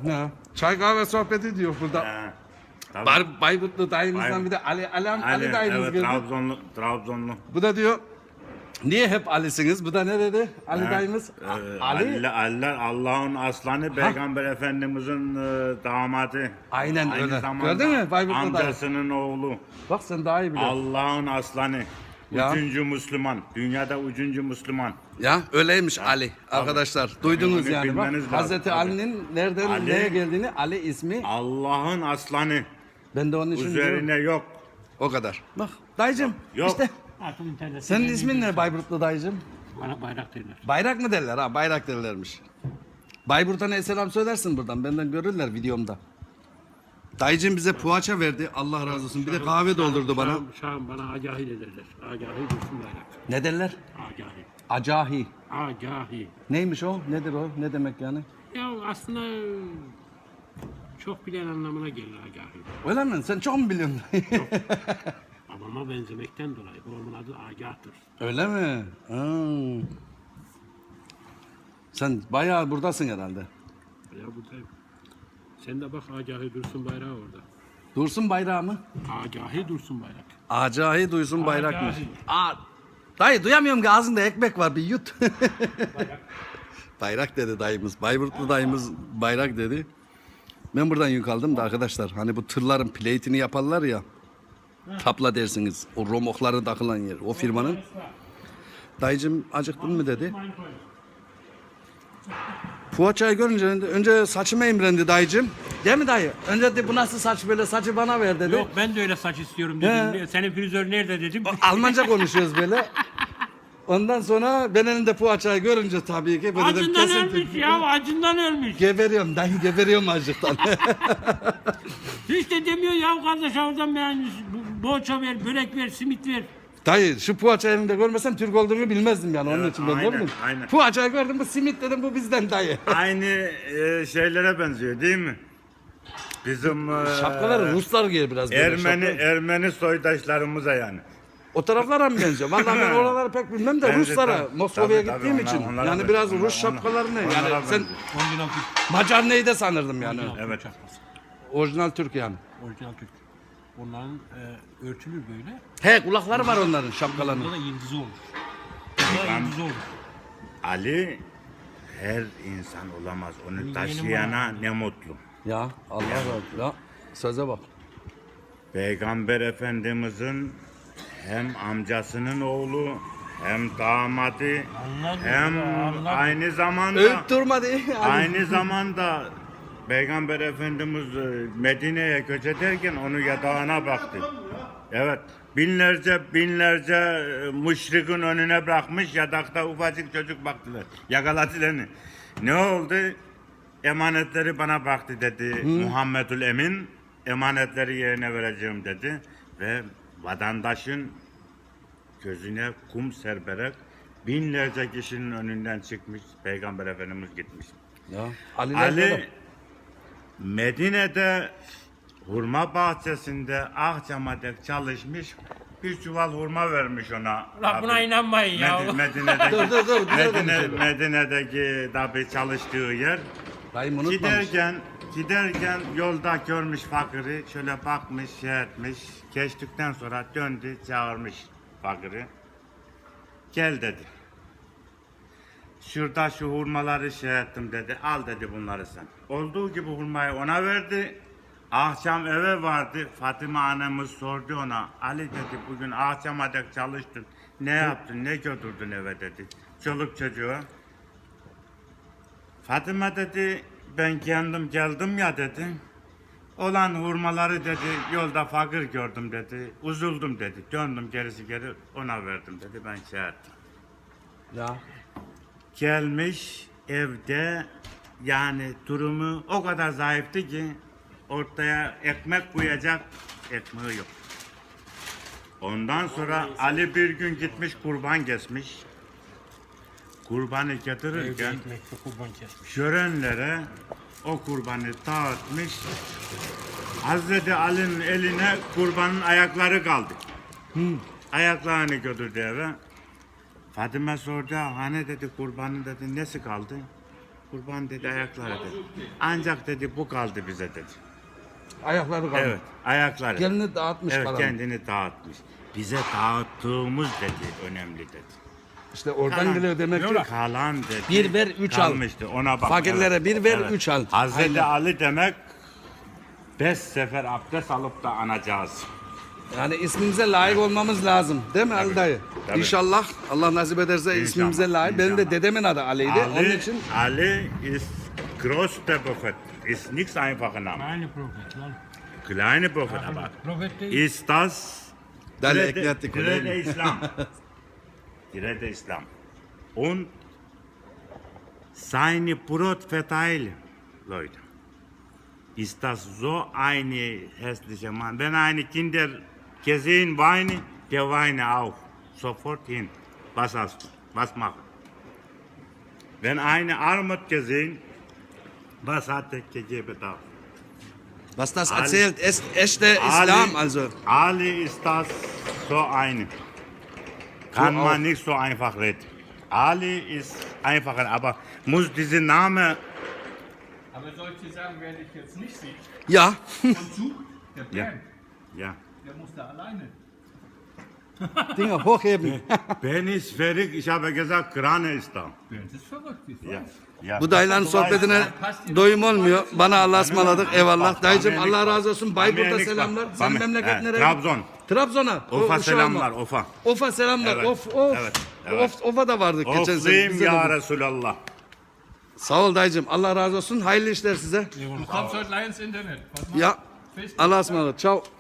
Ya, çay kahve sohbeti diyor burada. Tabii. Bayburtlu dayımızdan bir de Ali dayımız evet, geldi. Trabzonlu. Bu da diyor, niye hep Ali'siniz? Bu da ne dedi? Ali dayımız. Ali. Allah'ın aslanı, Peygamber Efendimizin damadı. Aynen Aynı öyle. zamanda Gördün mü Bayburtlu dayı? amcasının oğlu. Bak sen daha iyi biliyorsun. Allah'ın aslanı. Ya. Üçüncü Müslüman. Dünyada üçüncü Müslüman. Ya öyleymiş Ali arkadaşlar. Duydunuz Onu yani bak. bilmeniz lazım, Hazreti tabii. Ali'nin nereden Ali- neye geldiğini Ali ismi. Allah'ın aslanı. Ben de onun için diyorum. Üzerine yok. O kadar. Bak dayıcım Yok. işte. Artık internette Senin ben ismin ne Bayburtlu dayıcım? Bana bayrak derler. Bayrak mı derler ha? Bayrak derlermiş. Bayburt'a ne selam söylersin buradan. Benden görürler videomda. Dayıcım bize poğaça verdi. Allah razı olsun. Bir de kahve doldurdu bana. Şam bana Agahi de derler. Agahi Dursun Bayrak. Ne derler? Agahi. Acahi. Agahi. Neymiş o? Nedir o? Ne demek yani? Ya aslında çok bilen anlamına gelir Agahi. Öyle mi? Sen çok mu biliyorsun? Babama benzemekten dolayı babamın adı Agah'tır. Öyle mi? Ha. Sen bayağı buradasın herhalde. Ya buradayım. Sen de bak Agahi Dursun Bayrağı orada. Dursun bayrağı mı? Agahi Dursun Bayrak. Acahi duysun bayrakmış. Acahi. Dayı duyamıyorum ki ağzında ekmek var bir yut. Bayrak dedi dayımız. Bayburtlu dayımız bayrak dedi. Ben buradan yük aldım da arkadaşlar. Hani bu tırların plate'ini yaparlar ya. Tapla dersiniz. O romokları takılan yer. O firmanın. Dayıcım acıktın mı dedi. Poğaçayı görünce önce saçıma imrendi dayıcım. Değil mi dayı? Önce de bu nasıl saç böyle saçı bana ver dedi. Yok ben de öyle saç istiyorum dedim. Senin frizör nerede dedim. Almanca konuşuyoruz böyle. Ondan sonra ben elinde poğaçayı görünce tabii ki böyle dedim Acından kesin. ölmüş ya acından ölmüş. Geberiyorum dayı geberiyorum acıktan. Hiç de demiyor ya kardeş oradan beğenmiş. Boğaça ver, börek ver, simit ver. Dayı şu poğaça elinde görmesem Türk olduğunu bilmezdim yani onun Evet, için ben aynen, gördüm. aynen. Poğaçayı gördüm bu simit dedim bu bizden dayı. Aynı şeylere benziyor değil mi? Bizim Şapkaları Ruslar giyer biraz böyle şapka. Ermeni soydaşlarımıza yani. O taraflara mı benziyor? Vallahi ben oraları pek bilmem de Bence Ruslara, tabii, Moskova'ya tabii, gittiğim onlar- için. onlara Yani benziyor. biraz Rus Onlar- şapkalarını onlara yani sen benziyor. Orijinal Türk. Macar neyi de sanırdım yani. Evet. Çakması. Orijinal Türk yani. Orijinal Türk. Onların örtülür böyle. He kulakları var onların şapkalarının. Burada da yıldızı olur. Burada Ben- yıldızı olur. Ali her insan olamaz. Onu taşıyana ne mutlu. Ya Allah razı olsun. Ya söze bak. Peygamber Efendimizin hem amcasının oğlu hem damadı Anladım, hem anladım. aynı zamanda Övüp durma diye. aynı zamanda Peygamber Efendimiz Medine'ye göç ederken onun yatağına baktı. Evet. Binlerce müşrikin önüne bırakmış yatakta ufacık çocuk baktılar. Yakaladılar. Ne oldu? Emanetleri bana baktı dedi. Muhammedül Emin emanetleri yerine vereceğim dedi. Ve vatandaşın gözüne kum serperek binlerce kişinin önünden çıkmış. Peygamber Efendimiz gitmiş. Ya Ali, Ali Medine'de hurma bahçesinde akşamadek çalışmış, bir çuval hurma vermiş ona. Ulan buna Tabii. inanmayın ya. Medine'deki, Dur, güzel Medine'deki tabi çalıştığı yer. Dayım unutmamış. Giderken yolda görmüş fakiri, şöyle bakmış, şey etmiş. Geçtikten sonra döndü, çağırmış fakiri. Gel dedi. Şurada şu hurmaları şey ettim dedi. Al dedi bunları sen. Olduğu gibi hurmayı ona verdi. Akşam eve vardı. Fatime annemiz sordu ona. Ali dedi bugün akşama dek çalıştın. Ne yaptın? Ne götürdün eve dedi. Çoluk çocuğa. Fatime dedi ben kendim geldim ya dedi. Olan hurmaları dedi yolda fakir gördüm dedi. Uzuldum dedi. Döndüm geri ona verdim dedi. Ben şey ettim. Ya. Gelmiş evde yani durumu o kadar zayıftı ki ortaya ekmek koyacak ekmeği yok. Ondan sonra Ali bir gün gitmiş kurban kesmiş. Kurbanı getirirken Ekmekle kurban kesmiş. görenlere o kurbanı dağıtmış. Hazreti Ali'nin eline kurbanın ayakları kaldı. Ayaklarını götürdü eve. Fatime sordu, hani dedi kurbanın dedi nesi kaldı? Kurban dedi ayakları dedi. Ancak dedi bu kaldı bize dedi. Ayakları kaldı. Evet, ayakları. Kendini dağıtmış Evet, falan. kendini dağıtmış. Bize dağıttığımız dedi önemli dedi. İşte oradan Kalan- geliyor demek ki. Kalan dedi. Bir ver, üç al. kalmıştı. Ona bak. Fakirlere bir ver, üç al. Hazreti Aynen. Ali demek 5 sefer abdest alıp da anacağız. Yani ismimize layık olmamız lazım. Değil mi Ali dayı? tabii. İnşallah Allah nasip ederse İnşallah, ismimize layık. Benim de inşallah. dedemin adı Ali'ydi. Onun için Ali ist größter Prophet. Ist nichts einfacher Name. Aynı profet lan. Kleine Prophet, aber Profet değil. ist das Dale Grete- eklettik. Grete Islam. Grete Islam. Und seine Brot verteilen, Leute. Ist das so eine hässliche Mann? Wenn eine Kinder gesehen weinen, der weine auch. Sofort hin. Was hast du? Was machen? Wenn eine Armut gesehen, was hat er gegeben da? was das Ali- erzählt, ist echter Islam. Also Ali ist das so eine. Kann So man auch. nicht so einfach reden. Ali ist einfacher, aber muss dieser Name, Aber solche Sachen werde ich jetzt nicht sehen. ja, Und Zug, der ja, Bernd, ja. der muss da alleine. Dinge hochheben. Ben ist verrückt, ich habe gesagt, Krane ist da. Bernd ist verrückt, ich Ja. weiß. Ja. Bu dayıların sohbetine doyum olmuyor. Bana Allah'a ısmarladık. Eyvallah. Dayıcım Allah razı olsun. Bayburt'a selamlar. Sen memleket nereye? Trabzon. Trabzon'a. O Ofa uşağıma. selamlar, Ofa. Ofa selamlar. Evet, Of. evet, evet. Ofa da vardık geçen sene. Ofluyum Bize de ya bu- Resulallah. Sağ ol dayıcım. Allah razı olsun. Hayırlı işler size. Du kommst heute gleich ins Internet. Pass mal. Ya. Allah'a ısmarladık. Ciao.